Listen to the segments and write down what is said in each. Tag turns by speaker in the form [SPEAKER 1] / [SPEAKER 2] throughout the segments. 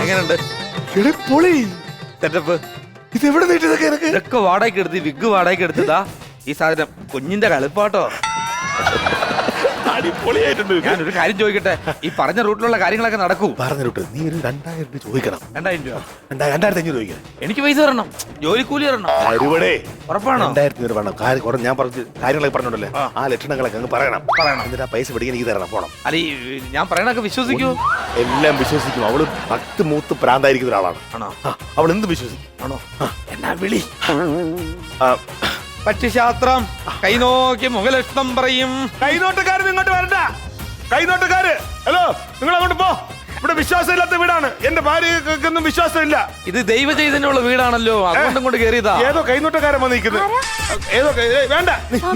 [SPEAKER 1] എങ്ങനെയുണ്ട്
[SPEAKER 2] പൊളി
[SPEAKER 1] സെറ്റപ്പ്?
[SPEAKER 2] ഇതെവിടെ നീട്ടിയതൊക്കെ എനിക്ക്
[SPEAKER 1] ഇതൊക്കെ വാടകയ്ക്ക് എടുത്ത് വിഗ് വാടകയ്ക്ക് എടുത്തതാ. ഈ സാധനം കുഞ്ഞിന്റെ കളിപ്പാട്ടോ.
[SPEAKER 2] അടിപൊളിയായിട്ടുണ്ട്.
[SPEAKER 1] ഞാനൊരു കാര്യം ചോദിക്കട്ടെ, ഈ പറഞ്ഞ റൂട്ടിലുള്ള കാര്യങ്ങളൊക്കെ നടക്കൂ?
[SPEAKER 2] പറഞ്ഞ റൂട്ട് നീ ഒരു 2000 രൂപ ചോദിക്കണം.
[SPEAKER 1] 2000 രൂപ?
[SPEAKER 2] 2500 ചോദിക്കണം.
[SPEAKER 1] എനിക്ക് പൈസ തരണം, ജോലിക്കൂലി തരണം. ഉറപ്പാണോ?
[SPEAKER 2] 2000 രൂപ വേണം. ഞാൻ പറഞ്ഞ കാര്യങ്ങളൊക്കെ പറഞ്ഞോണ്ടല്ലേ, ആ ലക്ഷണങ്ങളൊക്കെ അങ്ങ് പറയണം. എന്നിട്ട് ആ പൈസ പിടിക്കാൻ എനിക്ക് തരണം. പോണം.
[SPEAKER 1] അല്ല, ഞാൻ പറയണൊക്കെ വിശ്വസിക്കൂ?
[SPEAKER 2] എല്ലാം വിശ്വസിക്കും. അവള് ഭക്തി മൂത്ത് പ്രാന്തായിരിക്കുന്ന ഒരാളാണ്.
[SPEAKER 1] ആണോ?
[SPEAKER 2] അവൾ എന്ത് വിശ്വസിക്കും.
[SPEAKER 1] ആണോ? എന്നാ വിളി? പക്ഷിശാസ്ത്രം കൈനോക്കി മുഖലക്ഷണം പറയും.
[SPEAKER 2] കൈനോട്ടക്കാരൻ ഇങ്ങോട്ട് വരണ്ട. കൈനോട്ടക്കാര്, ഹലോ, നിങ്ങൾ അങ്ങോട്ട് പോ. ഇവിടെ വിശ്വാസമില്ലാത്ത വീടാണ്. എന്റെ ഭാര്യക്കൊന്നും വിശ്വാസമില്ല.
[SPEAKER 1] ഇത് ദൈവ ചൈതന്യമുള്ള വീടാണല്ലോ, അതുകൊണ്ടും കൊണ്ട് കയറിയതാ.
[SPEAKER 2] ഏതോ കൈനോട്ടക്കാരൻ വന്നിരിക്കുന്നത്. ഏതോ വേണ്ട,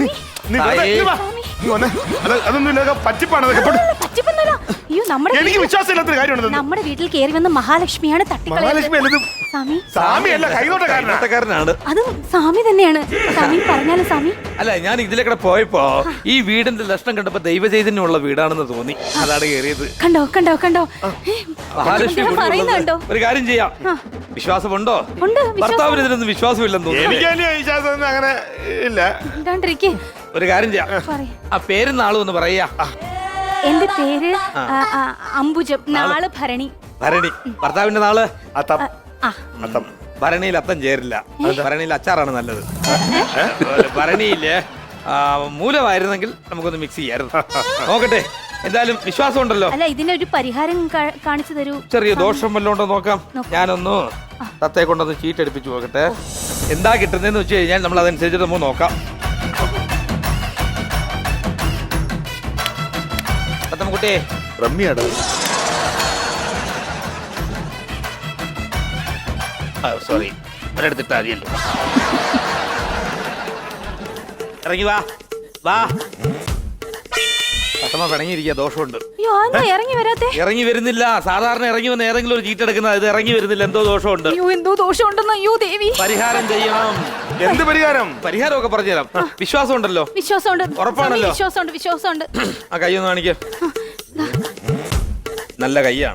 [SPEAKER 2] അതൊന്നും പറ്റിപ്പാണ്. എനിക്ക് വിശ്വാസമില്ലാത്ത കാര്യമാണ്.
[SPEAKER 3] നമ്മുടെ വീട്ടിൽ കയറി വന്ന മഹാലക്ഷ്മിയാണ് തട്ടിക്കളയുന്നത്.
[SPEAKER 2] സ്വാമിയല്ല, കൈനോട്ടക്കാരനാണ്.
[SPEAKER 3] അതും സ്വാമി തന്നെയാണ്. സ്വാമി പറഞ്ഞാലും സ്വാമി.
[SPEAKER 1] അല്ല, ഞാൻ ഇതിലേക്കൂടെ പോയപ്പോ ഈ വീടിന്റെ ലക്ഷണം കണ്ടപ്പോ ദൈവ ചൈതന്യമുള്ള വീടാണെന്ന് തോന്നി, അതാണ് കയറിയത്.
[SPEAKER 3] കണ്ടോ കണ്ടോ കണ്ടോ,
[SPEAKER 1] മഹാലക്ഷ്മി
[SPEAKER 3] പറയുന്നുണ്ടോ?
[SPEAKER 1] ഒരു കാര്യം ചെയ്യാം. വിശ്വാസമുണ്ടോ? ഭർത്താവിന് ഇതിനൊന്നും വിശ്വാസമില്ലെന്ന് തോന്നുന്നു.
[SPEAKER 2] എനിക്ക് വിശ്വാസം അങ്ങനെ ഇല്ല.
[SPEAKER 1] ഒരു കാര്യം ചെയ്യാം, ആ പേരും നാളും ഒന്ന് പറയാ.
[SPEAKER 3] എന്റെ പേര് അംബുജം, നാള് ഭരണി.
[SPEAKER 1] ഭരണി. ഭർത്താവിന്റെ നാള്?
[SPEAKER 2] അത്തം.
[SPEAKER 1] ഭരണിയിൽ അത്തം ചേരില്ല, ഭരണിയിൽ അച്ചാറാണ് നല്ലത്. ഭരണിയില് മൂലമായിരുന്നെങ്കിൽ നമുക്കൊന്ന് മിക്സ് ചെയ്യായിരുന്നു. നോക്കട്ടെ, എന്തായാലും വിശ്വാസം ഉണ്ടല്ലോ.
[SPEAKER 3] അല്ല, ഇതിനൊരു പരിഹാരം കാണിച്ചു തരൂ.
[SPEAKER 1] ചെറിയ ദോഷം വല്ലതും ഉണ്ടോ നോക്കാം. ഞാനൊന്ന് തത്തയെ കൊണ്ടൊന്ന് ചീട്ടെടുപ്പിച്ചു നോക്കട്ടെ. എന്താ കിട്ടുന്നതെന്ന് വെച്ച് കഴിഞ്ഞാൽ നമ്മൾ അതനുസരിച്ച് നമുക്ക് നോക്കാം. തത്തമ്മക്കുട്ടി,
[SPEAKER 2] റമ്മിയാടോ.
[SPEAKER 1] സോറി, ഒരെടുത്തിട്ട് അറിയല്ലോ. ഇറങ്ങി വാ വാ. തത്തമ്മ പിണങ്ങിയിരിക്കുക, ദോഷമുണ്ട്. ഇറങ്ങി വരുന്നില്ല. സാധാരണ ഇറങ്ങി വന്ന് ഏതെങ്കിലും ഒരു ചീട്ടെടുക്കുന്നത്, ഇത് ഇറങ്ങി വരുന്നില്ല, എന്തോ ദോഷമുണ്ട്.
[SPEAKER 3] എന്തോ ദോഷമുണ്ടെന്ന്. അയ്യോ ദേവി,
[SPEAKER 1] പരിഹാരം ചെയ്യണം.
[SPEAKER 2] എന്ത് പരിഹാരം?
[SPEAKER 1] പരിഹാരമൊക്കെ പറഞ്ഞുതരാം. വിശ്വാസം ഉണ്ടല്ലോ?
[SPEAKER 3] വിശ്വാസമുണ്ട്.
[SPEAKER 1] ഉറപ്പാണല്ലോ?
[SPEAKER 3] വിശ്വാസമുണ്ട്, വിശ്വാസമുണ്ട്.
[SPEAKER 1] ആ കൈ ഒന്ന് കാണിക്ക. നല്ല കൈയാണ്,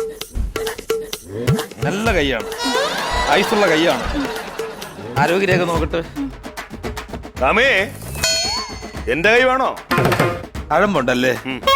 [SPEAKER 1] നല്ല കൈയാണ്, ഐസുള്ള കൈയാണ്. ആരോഗ്യരേഖ നോക്കട്ടെ.
[SPEAKER 2] എന്റെ കൈ വേണോ?
[SPEAKER 1] തഴമ്പുണ്ടല്ലേ?